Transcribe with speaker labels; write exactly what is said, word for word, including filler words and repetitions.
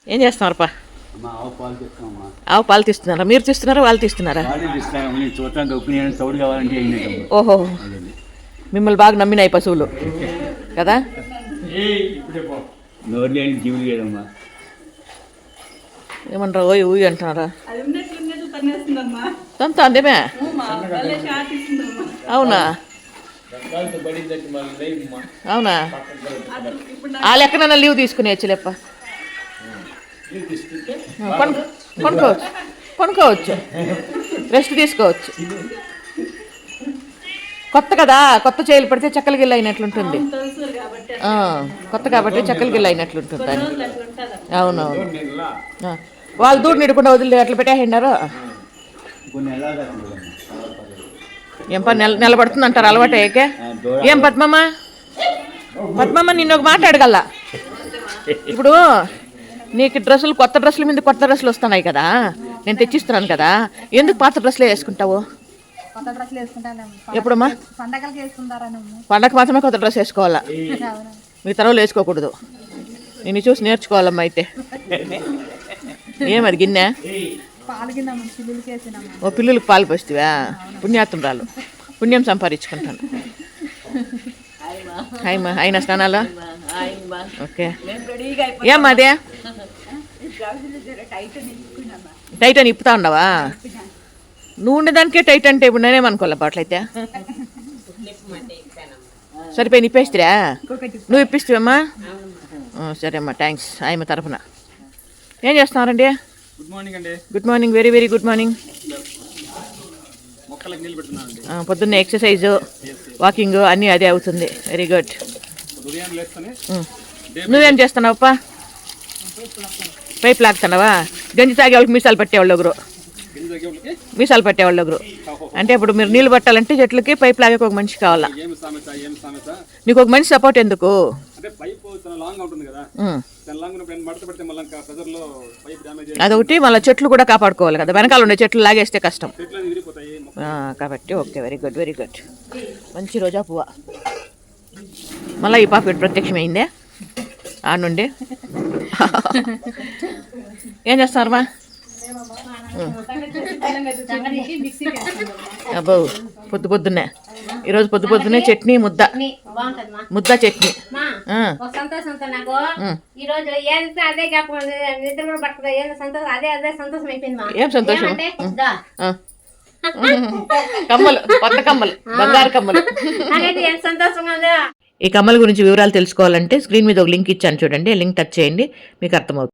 Speaker 1: ఏం చేస్తున్నారు పా?
Speaker 2: ఆవు పాలు తీస్తామమ్మా.
Speaker 1: ఆవు పాలు తీస్తున్నారా? మీరు తీస్తున్నారా వాళ్ళు తీస్తున్నారా? ఓహో, మిమ్మల్ని బాగా నమ్మినాయి పశువులు కదా. ఏమన్నారా? ఓయ్ ఊయి అంటున్నారా? తంత అందేమే. అవునా అవునా ఆ లెక్కనన్నా లీవ్ తీసుకుని వచ్చలేప్ప. కొనుక్కోవచ్చు కొనుక్కోవచ్చు రెస్ట్ తీసుకోవచ్చు. కొత్త కదా, కొత్త చేయలు పడితే చెక్కల గిల్ల అయినట్లుంటుంది. కొత్త కాబట్టి చెక్కల గిల్ల అయినట్లుంటుంది అని. అవునవును, వాళ్ళు దూడ నిడకుండా వదిలి అట్లా పెట్టేసినారు. ఏం పని నెల నిలబడుతుంది అంటారు అలవాటు అయ్యాకే. ఏం పద్మమ్మ పద్మమ్మ నిన్న ఒక మాట అడగల. ఇప్పుడు నీకు డ్రెస్సులు కొత్త డ్రెస్సుల మీద కొత్త డ్రెస్సులు వస్తున్నాయి కదా, నేను తెచ్చిస్తున్నాను కదా, ఎందుకు పాత డ్రెస్సులే వేసుకుంటావు? ఎప్పుడమ్మా? పండగకి మాత్రమే కొత్త డ్రెస్ వేసుకోవాలా, మీ తరవులు వేసుకోకూడదు. నేను చూసి నేర్చుకోవాలమ్మా అయితే. ఏమది గిన్నె? ఓ పిల్లలకి పాలు పోస్తావా? పుణ్యాత్మరాలు, పుణ్యం సంపాదించుకుంటాను. హాయమ్మా, అయినా స్నానాలు? ఓకే. ఏమ్మా అదే టైట్ అని ఇప్పుతా ఉండవా? నువ్వు ఉండేదానికే టైట్ అంటే ఇప్పుడు నేనేమనుకోలే అట్లయితే. సరిపోయి ఇప్పేస్తారా? నువ్వు ఇప్పిస్తావమ్మా? సరే అమ్మా, థ్యాంక్స్ ఆయమ్మ తరఫున. ఏం చేస్తున్నారండి?
Speaker 3: గుడ్ మార్నింగ్ అండి.
Speaker 1: Good morning, very very good morning. పొద్దున్నే ఎక్సర్సైజు వాకింగ్ అన్నీ అదే అవుతుంది. Very good. నువ్వేం చేస్తున్నావప్పా? పైపు లాగుతున్నావా? గంజి తాగే వాళ్ళకి మీసాలు పట్టేవాళ్ళు ఒకరు, మీసాలు పట్టేవాళ్ళు ఒకరు. అంటే ఇప్పుడు మీరు నీళ్ళు పట్టాలంటే చెట్లకి పైపు లాగే ఒక మనిషి కావాలా. నీకు ఒక మనిషి సపోర్ట్ ఎందుకు? అదొకటి, మళ్ళీ చెట్లు కూడా కాపాడుకోవాలి కదా, వెనకాల ఉండే చెట్లు లాగేస్తే కష్టం కాబట్టి. Okay, very good very good. మంచి రోజా పువ్వ. మళ్ళీ ఈ పాప ప్రత్యక్షమైందే ఆ నుండి. ఏం చేస్తున్నారమ్మా? అబ్బో, పొద్దు పొద్దున్నే ఈరోజు పొద్దు పొద్దున్నే చట్నీ ముద్ద ముద్ద చట్నీ. ఏం సంతోషం? కమ్మలు, కొత్త కమ్మలు, బంగారు కమ్మలు. ఈ కమ్మల గురించి వివరాలు తెలుసుకోవాలంటే స్క్రీన్ మీద ఒక లింక్ ఇచ్చాను చూడండి, లింక్ టచ్ చేయండి, మీకు అర్థమవుతుంది.